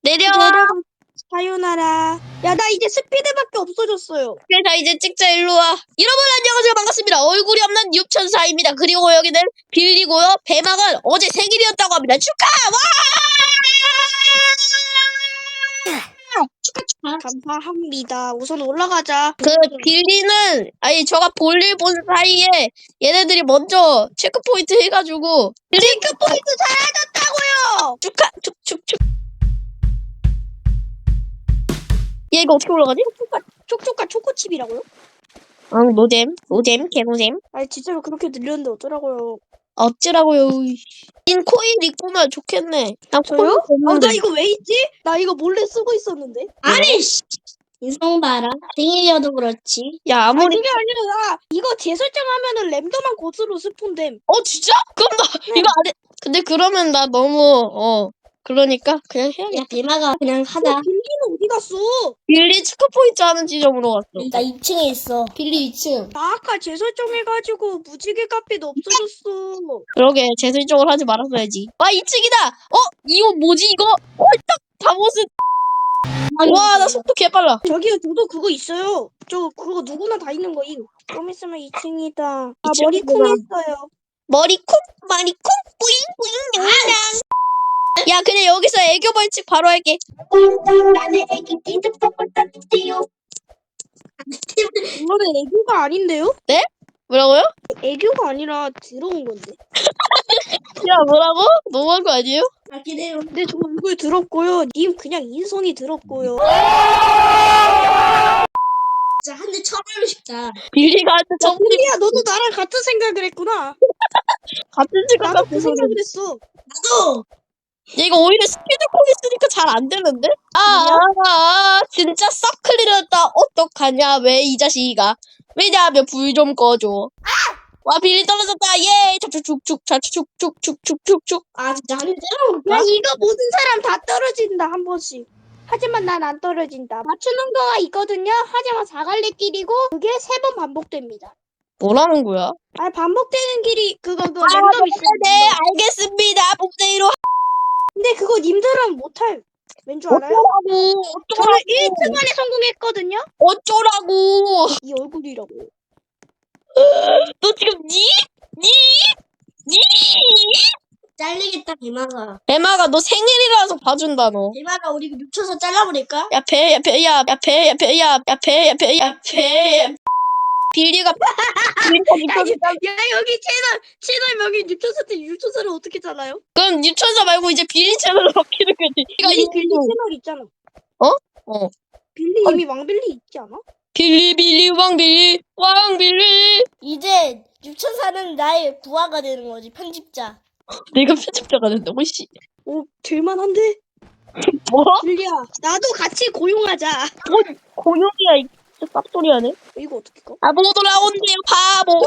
내려와. 사요나라. 야, 나 이제 스피드밖에 없어졌어요. 그래, 자, 이제 찍자, 일로 와. 여러분, 안녕하세요. 반갑습니다. 얼굴이 없는 육천사입니다. 그리고 여기는 빌리고요. 배망은 어제 생일이었다고 합니다. 축하! 와! 축하. 감사합니다. 우선 올라가자. 그, 빌리는, 아니, 저가 볼일 본 사이에 얘네들이 먼저 체크포인트 해가지고. 체크포인트 사라졌다고요! 축하! 축축축. 얘 이거 어떻게 올라가지? 촉촉한 초코칩이라고요? 응, 노잼, 개노잼. 아니, 진짜로 그렇게 들렸는데 어쩌라고요. 어찌라고요. 인 코인 입고면 좋겠네. 나 저요? 코인 없는데. 나 이거 왜 있지? 나 이거 몰래 쓰고 있었는데. 아니, 씨. 인성 봐라. 생일이어도 그렇지. 야, 아니, 아무리. 그게 아니라 나 이거 재설정하면은 랜덤한 곳으로 스폰됨. 진짜? 그럼 나 이거 안 해. 근데 그러면 나 너무, 그러니까 그냥 해야겠다. 야, 대마가 그냥 하자. 빌리는 어디 갔어? 빌리 축하포인트 하는 지점으로 갔어. 나 2층에 있어. 빌리 2층. 나 아까 재설정해가지고 무지개 카페도 없어졌어. 그러게, 재설정을 하지 말았어야지. 와, 2층이다! 이거 뭐지, 이거? 홀딱 바보스. 와, 나 속도 개빨라. 저기요, 저도 그거 있어요. 저 그거 누구나 다 있는 거임. 좀 있으면 2층이다. 아, 2층이구나. 머리 쿵했어요. 머리쿵, 뿌잉, 뿌잉, 냥냥. 야, 그냥 여기서 애교 벌칙 바로 할게. 이거는 애교가 아닌데요? 뭐라고요? 애교가 아니라 들어온 건데. 야, 뭐라고? 너무한 거 아니에요? 맞긴 해요. 근데 저 얼굴 들었고요. 님 그냥 인성이 들었고요. 진짜 한 대 쳐버리고 싶다. 빌리가 한테 처음 빌리야, 너도 나랑 같은 생각을 했구나. 같은 시간 나도 같은 그 소리. 생각을 했어. 나도! 얘가 오히려 스피드콩 있으니까 잘 안 되는데? 진짜 싹 클리었다. 어떡하냐, 왜 이 자식이가. 왜냐하면 불 좀 꺼줘. 와, 빌리 떨어졌다. 예! 축축축축축축축축축축. 아, 진짜 한 대 야, 때려볼까? 이거 모든 사람 다 떨어진다, 한 번씩. 하지만 난 안 떨어진다. 맞추는 거가 있거든요. 하지만 사갈래길이고 그게 3번 반복됩니다. 뭐라는 거야? 아니, 반복되는 길이 그거 랜덤 있어요. 네, 알겠습니다. 복대로 근데 그거 님들은 못할. 왠 줄 알아요? 어쩌라고. 저는 1등 안에 성공했거든요. 어쩌라고. 이 얼굴이라고. 너 지금 니? 잘리겠다, 대마가. 배마가 너 생일이라서 봐준다, 너. 대마가 우리 눕혀서 잘라버릴까? 야, 배. 빌리가 야, 여기 채널 여기 유초사를 어떻게 잘라요? 그럼 유천사 말고 이제 빌리 채널로 바뀌는 거지. 빌리 채널 있잖아. 어. 빌리 이미 왕빌리 있지 않아? 빌리 왕빌리. 이제 6,000사는 나의 부하가 되는 거지, 편집자. 내가 편집자가 된다고 씨. 오, 될만한데? 뭐? 빌리야, 나도 같이 고용하자. 고용이야 이 쌉소리하네. 이거 어떻게 가? 못 올라온대요 바보.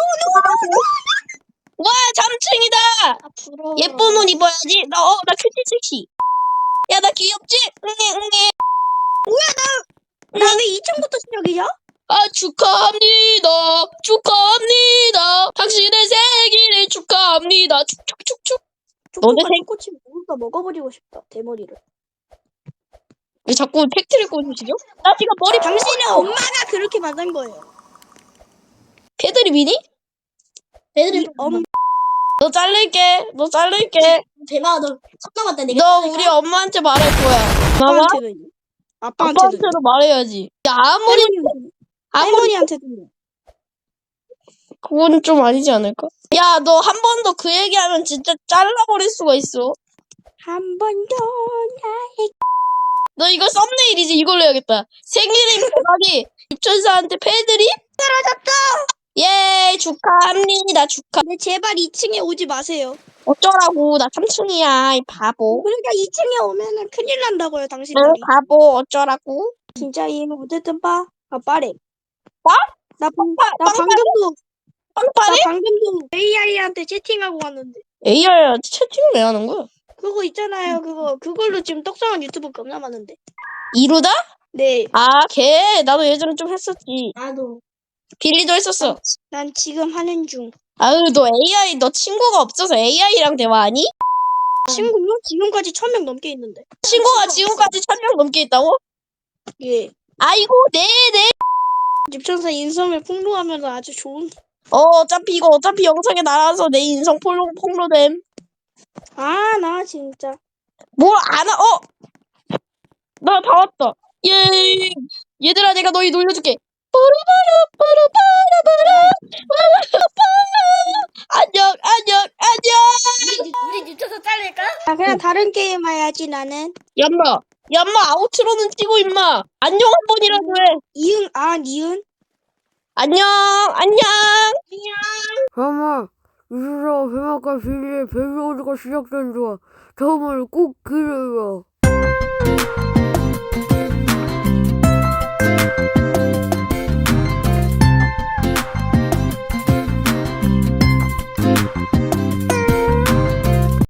와 3층이다. 아, 부러워. 예쁜 옷 입어야지. 나 큐티 섹시. 야 나 귀엽지? 응애. 나 왜 2층부터 시작이야? 축하합니다. 당신의 생일을 축하합니다. 축축축축. 너네 초코칩 모두 다 먹어버리고 싶다. 대머리를. 왜 자꾸 팩트를 꽂으시죠? 나 지금 머리 당신의 엄마가 그렇게 만든 거예요. 패드립이니? 배들이 너 자를게. 대마가 너 섭담았다, 내가. 너 우리 엄마한테 말할 거야. 봐봐. 아빠한테도. 아빠한테도 말해야지. 야 아무리 할머니한테도. 그건 좀 아니지 않을까? 야 너 한 번 더 그 얘기하면 진짜 잘라버릴 수가 있어. 한 번 더 나의 너 이거 썸네일이지. 이걸로 해야겠다. 생일인 대박이 육천사한테 패드립? 떨어졌다. 예 축하합니다. 네, 제발 2층에 오지 마세요. 어쩌라고. 나 3층이야 이 바보. 그러니까 2층에 오면은 큰일 난다고요, 응 당신들이. 바보 어쩌라고. 진짜 이거 어쨌든 빠래. 빠? 나 빵빠네? 방금도 AI한테 채팅하고 왔는데. AI한테 채팅을 왜 하는 거야? 그거 있잖아요. 그걸로 지금 떡상한 유튜브 겁나 많은데. 이루다? 네. 걔 나도 예전에 좀 했었지. 나도. 빌리도 했었어. 난 지금 하는 중. 아유 너 AI 너 친구가 없어서 AI랑 대화하니? 친구요? 지금까지 1000명 넘게 있는데. 친구가 지금까지 1000명 넘게 있다고? 예. 아이고, 네네. 집천사 인성을 폭로하면 아주 좋은. 어차피 이거 어차피 영상에 나와서 내 인성 폭로됨. 아, 나 진짜. 뭘 안 하, 나 다 왔다. 예. 얘들아, 내가 너희 놀려줄게. 안녕, 안녕, 안녕. 우리 뒤쳐서 잘릴까? 아, 그냥 다른 게임 해야지, 나는. 얌마, 아우트로는 뛰고, 임마. 안녕 한 번이라도 해. 니은? 안녕, 안녕. 잠깐만, 유수라 배막과 비리의 배우가 시작된 좋아. 다음을 꼭 기대해요.